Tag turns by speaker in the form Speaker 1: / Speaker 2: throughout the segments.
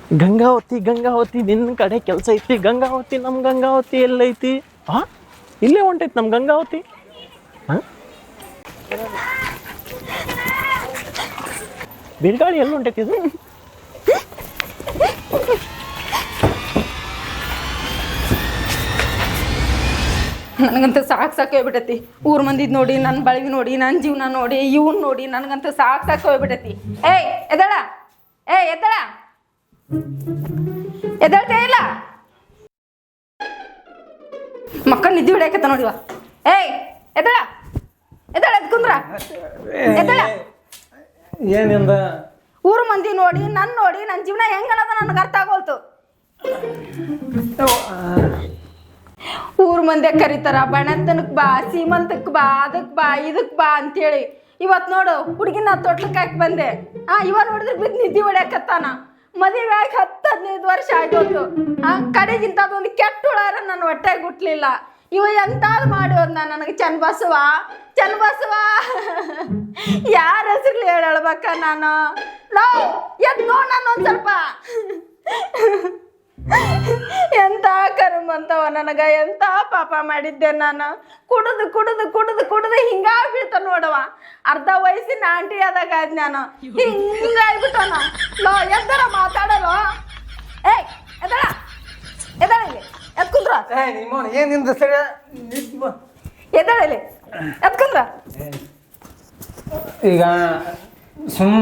Speaker 1: ಗಂಗಾವತಿ ಗಂಗಾವತಿ ನಿನ್ನ ಕಡೆ ಕೆಲಸ ಐತಿ. ಗಂಗಾವತಿ ನಮ್ಮ ಗಂಗಾವತಿ ಎಲ್ಲೈತಿ? ಹಾಂ, ಇಲ್ಲೇ ಹೊಂಟೈತಿ ನಮ್ಮ ಗಂಗಾವತಿ. ಹಾಂ, ಬಿರುಗಾಳಿ ಎಲ್ಲಿ ಹೊಂಟೈತಿ ಇದು?
Speaker 2: ನನಗಂತೂ ಸಾಕು ಹೋಗ್ಬಿಟ್ಟೈತಿ. ಊರ್ ಮಂದಿದ್ ನೋಡಿ, ನನ್ನ ಬಳಗಿ ನೋಡಿ, ನನ್ನ ಜೀವನ ನೋಡಿ, ಇವ್ನ ನೋಡಿ ನನಗಂತೂ ಸಾಕು ಹೋಗ್ಬಿಟ್ಟೈತಿ. ಏಯ್ ಎದಳ, ಎದ್ದಳ, ಎದಳ್ತೇ ಇಲ್ಲ. ಮಕ್ಕಳು ನಿದ್ದೆ ಹೊಡ್ಯಾಕತ್ತ ನೋಡಿವ. ಏಯ್ ಎದಳ, ಎದ್ ಕುಂದ್ರ, ಎದಳ.
Speaker 1: ಏನಿಂದ
Speaker 2: ಊರ್ ಮಂದಿ ನೋಡಿ, ನನ್ನ ಜೀವನ ಹೆಂಗನದ ನನಗೆ ಅರ್ಥ ಆಗೋಲ್ತು. ಊರ್ ಮಂದಿ ಕರೀತಾರ, ಬಣತನಕ್ ಬಾ, ಸೀಮಂತಕ್ ಬಾ, ಅದಕ್ ಬಾ, ಇದಕ್ ಬಾ ಅಂತೇಳಿ. ಇವತ್ತು ನೋಡು ಹುಡುಗಿನ ತೊಟ್ಲಕ್ಕೆ ಹಾಕಿ ಬಂದೆ. ಇವ ನೋಡಿದ್ರೆ ಬಿದ್ದು ನಿದ್ದೆ ಹೊಡ್ಯಾಕತ್ತಾನ. ಮದುವೆ ಆಗಿ 10-15 ವರ್ಷ ಆಗೋದು. ಕಡೆಗಿಂತ ಅದೊಂದು ಕೆಟ್ಟ ಹುಳಾರ ನನ್ನ ಹೊಟ್ಟೆಗೆ ಹುಟ್ಲಿಲ್ಲ. ಇವ ಎಂತಾದ್ರು ಮಾಡಿ ಹೋದ್ನ ನನಗೆ. ಚನ್ನಬಸವ ಯಾರ ಹೆಸರ್ಲಿ ಹೇಳ್ಬೇಕ ನಾನು? ಎದ್ ನೋಡ್ ನಾನು ಒಂದ್ ಸ್ವಲ್ಪ. ಎಂತ ಕರ್ಮಂತವ ನನಗ, ಎಂತ ಪಾಪ ಮಾಡಿದ್ದೆ ನಾನು. ಕುಡಿದು ಹಿಂಗ ಬೀಳ್ತ ನೋಡವ. ಅರ್ಧ ವಯಸ್ಸಿನ ಆಂಟಿ ಆದಾಗ ಆದ್ ನಾನು ಹಿಂಗಾಗ್ಬಿಟ್ಟನ. ಎದ್ದರ ಮಾತಾಡಲ್ಲ. ಏಯ್ ಎದಳ, ಎದಳಲಿ, ಎದ್ ಕುಂದ್ರ. ಎದಳಲಿ, ಎದ್ ಕುಂದ್ರ.
Speaker 3: ಈಗ ಸುಮ್ಮ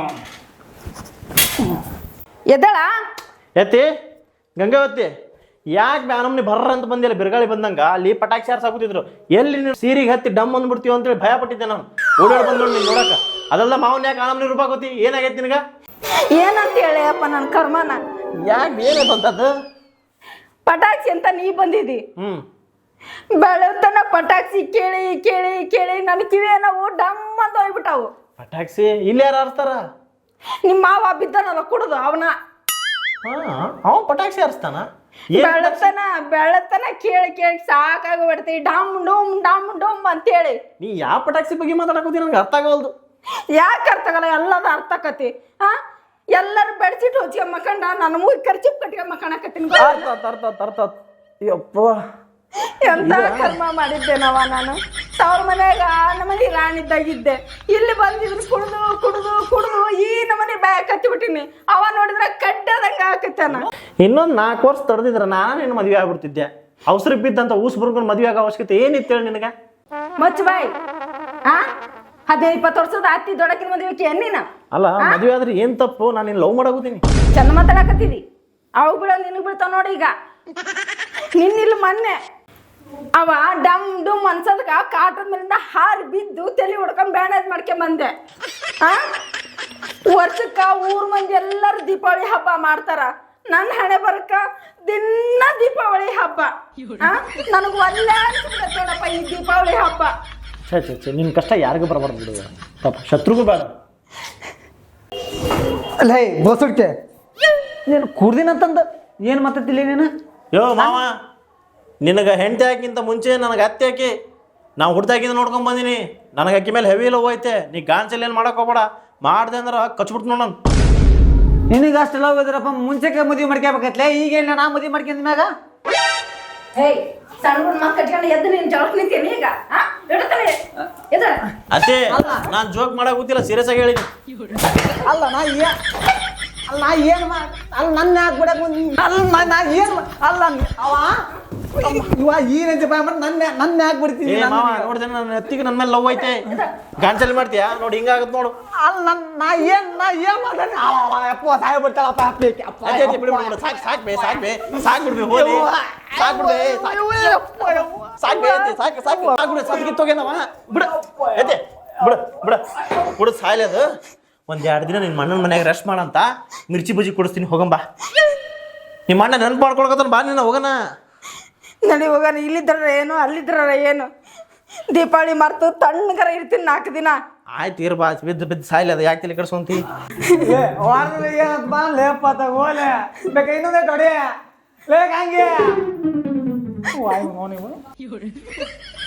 Speaker 2: ಎದಳ.
Speaker 1: ಎತ್ತಿ ಗಂಗಾವತಿ, ಯಾಕೆ ಬ್ಯಾನಮ್ನಿ ಬರ್ರ ಅಂತ ಬಂದಿಲ್ಲ? ಬಿರುಗಾಳಿ ಬಂದಂಗ ಅಲ್ಲಿ ಪಟಾಕಿ ಸಾರ್ಸಾಕುತ್ತಿದ್ರು. ಎಲ್ಲಿ ನೀವು ಸೀರಿಗೆ ಹತ್ತಿ ಡಮ್ ಅಂದ್ಬಿಡ್ತೀವಿ ಅಂತೇಳಿ ಭಯ ಪಟ್ಟಿದ್ದೆ ನಾನು. ಓಡಾಡಿ ಬಂದ್ ನೋಡಿ ನೀನು ನೋಡಕ. ಅದೆಲ್ಲ ಮಾವನ್ ಯಾಕೆ ಆನಮ್ನಿ ರೂಪಾಕೋತಿ? ಏನಾಗೈತಿ ನಿನಗ?
Speaker 2: ಏನಂತ ಹೇಳಿ ಅಪ್ಪ ನನ್ನ ಕರ್ಮನ.
Speaker 1: ಯಾಕೆ ಏನಾಯ್ತು ಅಂತದ್ದು?
Speaker 2: ಪಟಾಕ್ಷಿ ಅಂತ ನೀ ಬಂದಿದ್ದಿ. ಬೆಳತನ ಪಟಾಕ್ಷಿ ಕೇಳಿ ಕೇಳಿ ಕೇಳಿ ನನ್ನ ಕಿವಿ ನಾವು ಡಮ್ ಅಂತ ಹೋಗ್ಬಿಟ್ಟಾವು.
Speaker 1: ಪಟಾಕ್ಷಿ ಇಲ್ಲಿ ಯಾರು ಆರಿಸ್ತಾರ?
Speaker 2: ನಿಮ್ಮ ಮಾವ ಬಿದ್ದನಲ್ಲ ಕುಡುದು ಅವನ.
Speaker 1: ಅವ ಪಟಾಕ್ಷಿ ಹಾರಿಸ್ತಾನ?
Speaker 2: ಬೆಳತನ ಕೇಳಿ ಕೇಳಿ ಸಾಕಾಗ್ಬಿಡ್ತೀವಿ. ಡಮ್ ಡೋಮ್ ಅಂತೇಳಿ.
Speaker 1: ನೀ ಯಾವ ಪಟಾಕ್ಷಿ ಬಗ್ಗೆ ಮಾತಾಡಕೋತಿ? ನನಗೆ ಅರ್ಥ ಆಗವಲ್ದು.
Speaker 2: ಯಾಕೆ ಅರ್ಥ ಆಗಲ್ಲ? ಎಲ್ಲದ ಅರ್ಥ ಆಕತಿ. ಎಲ್ಲರೂ ಬೆಡ್ಶೀಟ್ ಹೊಚ್ಕೊಂಡ್ ಮಕ್ಕಂಡ ನನ್ನ ಮೂಗಿ ಖರ್ಚು ಕಟ್ಕೊಂಡ್ ಮಕ್ಕಣಕತ್ತೀನಿ.
Speaker 1: ಯಪ್ಪ,
Speaker 2: ಎಂತ ಕರ್ಮ ಮಾಡಿದ್ದೇನವ ನಾನು. ತವ್ರ ಮನ್ಯಾಗ ನಮ್ಮನೆ ರಾಣಿದ್ದಾಗಿದ್ದೆ. ಇಲ್ಲಿ ಬಂದಿದ್ರು ಕುಡ್ದು ಈ ನಮ್ಮನೆ ಬ್ಯಾಗ್ ಕತ್ತಿಬಿಟ್ಟಿನಿ. ಅವ ನೋಡಿದ್ರೆ ಕಡ್ಡದಂಗ ಹಾಕತ್ತಾನ.
Speaker 1: ಇನ್ನೊಂದು 4 ವರ್ಷ ತಡೆದಿದ್ರ ನಾನು ನಿನ್ನ ಮದುವೆ ಆಗ್ಬಿಡ್ತಿದ್ದೆ. ಅವಸರಕ್ಕೆ ಬಿದ್ದಂತ ಊಸ್ ಬರ್ಕೊಂಡು ಮದುವೆ ಆಗೋ ಅವಶ್ಯಕತೆ ಏನಿತ್ತು ಹೇಳಿ ನಿನಗೆ?
Speaker 2: ಮಚ್ಚ ಬಾಯ್. 15-20 ವರ್ಷದ ಅತ್ತಿ ದೊಡಕಿನ ಮದುವೆಕ್ಕೆ ಎಣ್ಣಿನ
Speaker 1: ಅಲ್ಲ. ಮದುವೆ ಆದ್ರೆ ಏನ್ ತಪ್ಪು? ನಾನು ನಿನ್ನ ಲವ್ ಮಾಡಾಕೋತೀನಿ.
Speaker 2: ಚಂದ ಮಾತಾಡಕತ್ತಿದಿ. ಅವಾಗ ಬಿಡ ನಿನಗ್ ಬೀಳ್ತಾವ ನೋಡಿ. ಈಗ ನಿನ್ನಿಲ್ಲ ಮೊನ್ನೆ ಅವ ಡಮ್ ಡುಮ್ ಅನ್ಸೋದಕ್ಕ ಕಾಟದ ಮೇಲಿಂದ ಹಾರಿ ಬಿದ್ದು ತಲೆ ಹೊಡ್ಕೊಂಡ್ ಬ್ಯಾಂಡೇಜ್ ಮಾಡ್ಕೊಂಡ್ ಬಂದೆ. ವರ್ಷಕ್ಕ ಊರ್ ಮಂದಿ ಎಲ್ಲರೂ ದೀಪಾವಳಿ ಹಬ್ಬ ಮಾಡ್ತಾರ. ನನ್ನ ಹಣೆ ಬರಕ ದಿನ ದೀಪಾವಳಿ ಹಬ್ಬ. ನನಗ್ ಒಳ್ಳೆ ನೋಡಪ್ಪ ಈ ದೀಪಾವಳಿ ಹಬ್ಬ.
Speaker 1: ಛೇ ನಿನ್ ಕಷ್ಟ ಯಾರಿಗೂ ಬರಬಾರ್ದು ಬಿಡುವ. ಪಾಪ ಶತ್ರುಗೂ ಬೇಡ.
Speaker 3: ಅಲ್ಲ ಬೋಸುಡ್ಕೆ ನೀನು ಕೂರ್ದಿನಂತಂದ ಏನು ಮಾತಾಡ್ತಿಲ್ಲ ನೀನು?
Speaker 1: ಯೋ ಮಾವ, ನಿನಗೆ ಹೆಂಡತಿ ಹಾಕಿಂತ ಮುಂಚೆ ನನಗೆ ಅತ್ತೆ ಹಾಕಿ ನಾವು ಹುಡ್ದಾಗಿಂದ ನೋಡ್ಕೊಂಡ್ ಬಂದೀನಿ. ನನಗೆ ಅಕ್ಕಿ ಮೇಲೆ ಹೆವಿ ಲವ್ ಐತೆ. ನೀ ಗಾನ್ಸಲ್ಲಿ ಏನು ಮಾಡಕ್ ಹೋಗ್ಬೇಡ. ಮಾಡ್ದೆ ಅಂದ್ರೆ ಕಚ್ಬಿಟ್ಟು ನೋಡೋಣ.
Speaker 3: ನಿನಗೆ ಅಷ್ಟೆಲ್ಲ ಹೋಗಿದ್ರಪ್ಪ. ಮುಂಚೆಗೆ ಮದುವೆ ಮಾಡ್ಕೋಬೇಕತ್ಲೆ. ಈಗ ಇಲ್ಲ ನಾ ಮದುವೆ ಮಾಡ್ಕೊಂಡ ಮ್ಯಾಗ
Speaker 2: ಸಣ್ಣ ಮಕ್ಕಳು ಕಟ್ಕೊಂಡು ಎದ್ದು ನೀನು ಜಳಕ್ ನಿಂತೀನಿ ಈಗ.
Speaker 1: ಅತ್ತೆ, ನಾನು ಜೋಕ್ ಮಾಡಕ್ ಗೊತ್ತಿಲ್ಲ, ಸೀರಿಯಸ್ ಆಗಿ ಹೇಳಿನಿ.
Speaker 3: ಅಲ್ಲ ನಾ ಏನು ಅಲ್ಲ ನನ್ನ ಯಾಕೆ ಬಿಡಕ್ ಅಲ್ಲ ನಾ ಏನು ಅಲ್ಲ ಅವ ಇವ ಈ ರೇಂಜ್ ನನ್ನ ಯಾಕೆ ಬಿಡ್ತೀನಿ?
Speaker 1: ನೋಡ್ದೆ ನನ್ನ ಎತ್ತಿಗೆ ನನ್ನ ಮೇಲೆ ಲವ್ ಐತೆ. ಗಾನ್ಸಲ್ಲಿ ಮಾಡ್ತೀಯಾ? ನೋಡಿ ಹಿಂಗಾಗತ್ ನೋಡು.
Speaker 3: ಅಲ್ಲ ನಾ ಏನ್ ಮಾಡ್ತಾನೆ? ಅಪ್ಪ ಸಾಯ ಬಿಡ್ತಾಳಪ್ಪ.
Speaker 1: ಸಾಕ್ ಬಿಡ್ಬಿ ಹೋಗಿ ಬಿಡು ಸಾಯ್ಲಿ ಅದು. 1-2 ದಿನ ನಿನ್ನ ಮಣ್ಣನ ಮನ್ಯಾಗ ರೆಸ್ಟ್ ಮಾಡಂತ ಮಿರ್ಚಿ ಬಜ್ಜಿ ಕೊಡಿಸ್ತೀನಿ. ಹೋಗಂಬಾ. ನಿಮ್ಮ ಅಣ್ಣ ನೆನಪು ಮಾಡ್ಕೊಳಕತ್ತಾನ. ಬಾ ನೀನು ಹೋಗೋಣ.
Speaker 2: ನಡಿ ಹೋಗೋಣ. ಇಲ್ಲಿದ್ರ ಏನು ಅಲ್ಲಿದ್ರ ಏನು? ದೀಪಾವಳಿ ಮರ್ತು ತಣ್ಣಗರ ಇರ್ತೀನಿ 4 ದಿನ.
Speaker 1: ಆಯ್ತು ಇರ್ ಬಾ. ಬಿದ್ದು ಸಾಯ್ಲಿ ಅದು. ಯಾಕೆ ತಲೆ ಕೆಡ್ಸ್ಕೊಂತಿ?
Speaker 3: ಬಾ ಲೇಪ ತಗೋಲೆ ಬೇಕ ಇನ್ನೊಂದೇ ತೊಡೆ ಬೇಕ ಹಂಗೆ.